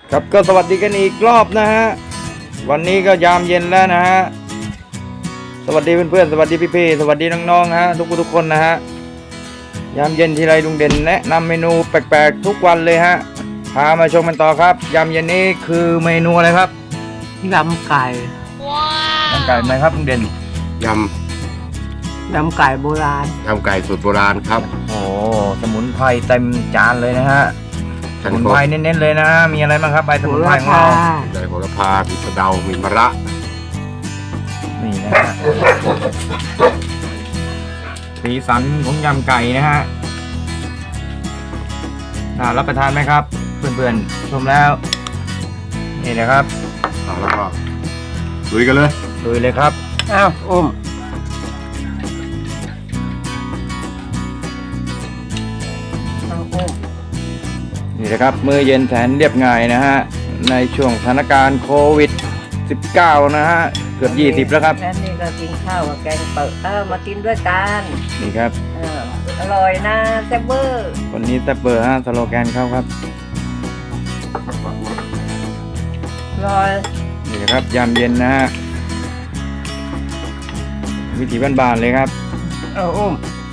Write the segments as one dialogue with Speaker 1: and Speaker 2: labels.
Speaker 1: ครับก็สวัสดีกันอีกรอบนะฮะวันนี้ก็ยามเย็นแล้วนะฮะสวัสดีเพื่อนๆสวัสดีพี่ๆสวัสดีน้องๆฮะทุกคนนะฮะยามเย็นทีไรลุงเด่นแนะนำเมนูแปลกๆทุกวันเลยฮะพามาชมกันต่อครับยามเย็นนี้คือเมนูอะไรครับ
Speaker 2: ยำไก่
Speaker 1: ยำไก่ไหมครับลุงเด่น
Speaker 3: ย
Speaker 2: ำไก่โบราณ
Speaker 3: ยำไก่สูตรโบราณครับ
Speaker 1: โอ้สมุนไพรเต็มจานเลยนะฮะสมุนไพรเน้นๆเลยนะฮะมีอะไรบ้างครับใบสมุนไพรของเรา
Speaker 3: ใบโหระพามีกระเดามีมะระ
Speaker 1: นี่นะฮะสีสันของยำไก่นะฮะน่ารับประทานไหมครับเพื่อนๆชมแล้วนี่นะครับ
Speaker 3: แล้วก็ลุยกันเลย
Speaker 1: ครับ
Speaker 2: อ้าวอุ้ม
Speaker 1: นี่นะครับมื้อเย็นแสนเรียบง่ายนะฮะในช่วงสถานการณ์โควิด19นะฮะเกือบ20แล้วครับ
Speaker 2: แล้วนี่ก็กินข้าวกับแกงเปิดมากินด้วยกัน
Speaker 1: นี่ครับ
Speaker 2: อร่อยนะแซ่บเบอร์
Speaker 1: วันนี้แซ่บเบอร์ฮะสโลแกนเขาครับ
Speaker 2: อร่อย
Speaker 1: นี่นะครับยามเย็นนะฮะวิถีบ้านๆเลยครับ
Speaker 2: อุ้ม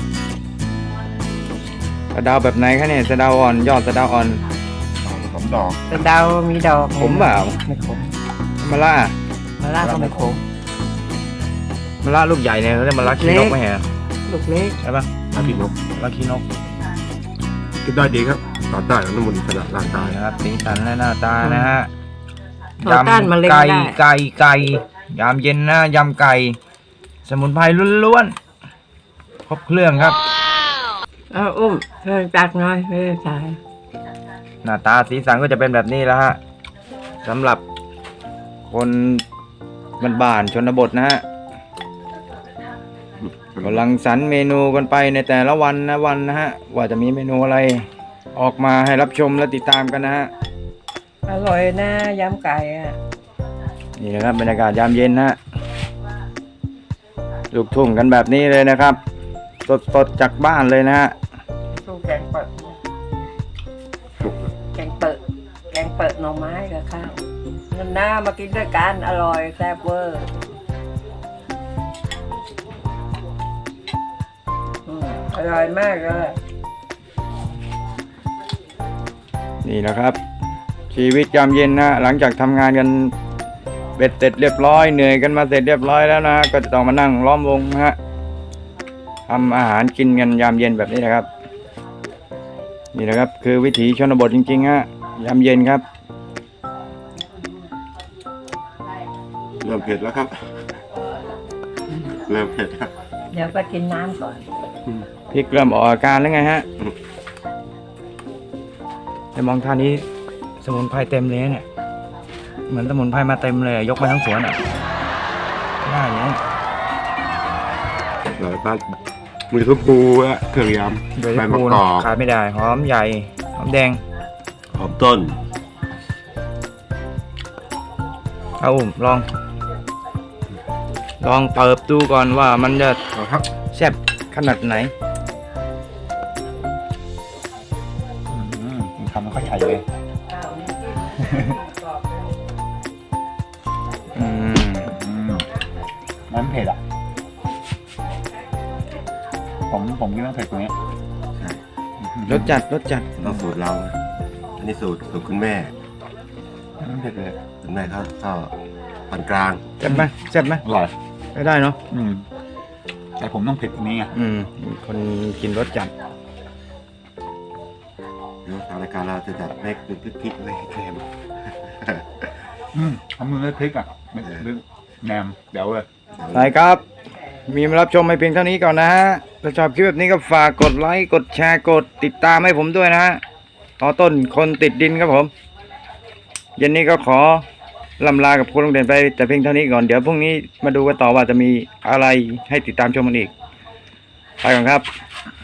Speaker 1: สะเดาแบบไหนคะเนี่ยสะเดาอ่อนยอดสะเดาอ่อน
Speaker 3: ผมดอก
Speaker 2: สะเดามีดอก
Speaker 1: ขมเปล่า
Speaker 2: ไม่ขม
Speaker 1: มะระ
Speaker 2: ก็ไม่ขม
Speaker 1: มะระลูกใหญ่เนี่ยเขาเรียกมะระขี้นกไหมฮะ
Speaker 2: ลูกเล็ก
Speaker 1: ใช่ปะ
Speaker 3: มะระขี้นกกินได้ดีครับต่อต้านน้ำมันขนาดร่างกาย
Speaker 1: นะครับสีสันและหน้าตานะฮะ
Speaker 2: ยำ
Speaker 1: ไก่ยามเย็นนะยำไก่สมุนไพรล้วนๆครบเครื่องครับ
Speaker 2: อุ้มเพิ่มตักน้อยไม่ได้ใส่
Speaker 1: หน้าตาสีสันก็จะเป็นแบบนี้แล้วฮะสำหรับคนบ้านๆชนบทนะฮะกำลังสรรเมนูกันไปในแต่ละวันนะฮะว่าจะมีเมนูอะไรออกมาให้รับชมและติดตามกันนะฮะ
Speaker 2: อร่อยนะยำไก่
Speaker 1: นี่นะครับบรรยากาศยามเย็นนะลูกทุ่งกันแบบนี้เลยนะครับสดจากบ้านเลยนะฮะ
Speaker 2: สู้แกงเปิดหน่อไม้กับข้าวนั่นนะมากินด้วยกันอร่อยแซ่บเวอร์อร่อยมากเลย
Speaker 1: นี่นะครับชีวิตยามเย็นนะหลังจากทำงานกันเบ็ดเสร็จเรียบร้อยเหนื่อยกันมาเสร็จเรียบร้อยแล้วนะก็จะต้องมานั่งล้อมวงนะฮะทำอาหารกินกันยามเย็นแบบนี้นะครับนี่นะครับคือวิถีชนบทจริงๆฮะยามเย็นครับ
Speaker 3: เริ่มเผ็ดแล้วครับเริ่มเผ็ดครับ
Speaker 2: เดี๋ยวไปกินน้ำก่อน
Speaker 1: พริกเริ่มออกอาการแล้วไงฮะแต่มองท่านี้สมุนไพรเต็มเลยเนี่ยเหมือนสมุนไพรมาเต็มเลยยกไปทั้งสวนอ่ะได้เนี่ย
Speaker 3: หลายบ้านมีทุกปูอะเครื่องยำ
Speaker 1: ใบมะกอกขาดไม่ได้หอมใหญ่หอมแดง
Speaker 3: หอมต้น
Speaker 1: เอาลองเปิบดูก่อนว่ามันจะแซ่บขนาดไหนทำมันค่อยใหญ่เลยมันเผ็ดอ่ะผมคิดว่าเผ็ดตรงนี้รสจัด
Speaker 3: เราสูตรเราอันนี้สูตรคุณแม่
Speaker 1: มันเผ็ดเลย
Speaker 3: คุณแม่เขาก็ปานกลาง
Speaker 1: แซ่บไหม
Speaker 4: อร่อย
Speaker 1: ได้เนาะ
Speaker 4: แต่ผมต้องเผ็ดตรงนี้ไง
Speaker 1: คนกินรสจัด
Speaker 3: เดี๋ยวทางรายการเราจะจัดเล็กเป็นพริกเลยเค็ม
Speaker 4: ทำมือด้วยพริกอ่ะแหนมเดี๋ยวเลย
Speaker 1: ไปครับมีมารับชมไม่เพียงเท่านี้ก่อนนะฮะถ้าชอบคลิปแบบนี้ก็ฝากกดไลค์กดแชร์กดติดตามให้ผมด้วยนะฮะต่อต้นคนติดดินครับผมเย็นนี้ก็ขอลำลากับคุณลุงเด่นไปแต่เพียงเท่านี้ก่อนเดี๋ยวพรุ่งนี้มาดูกันต่อว่าจะมีอะไรให้ติดตามชมกันอีกไปก่อนครับ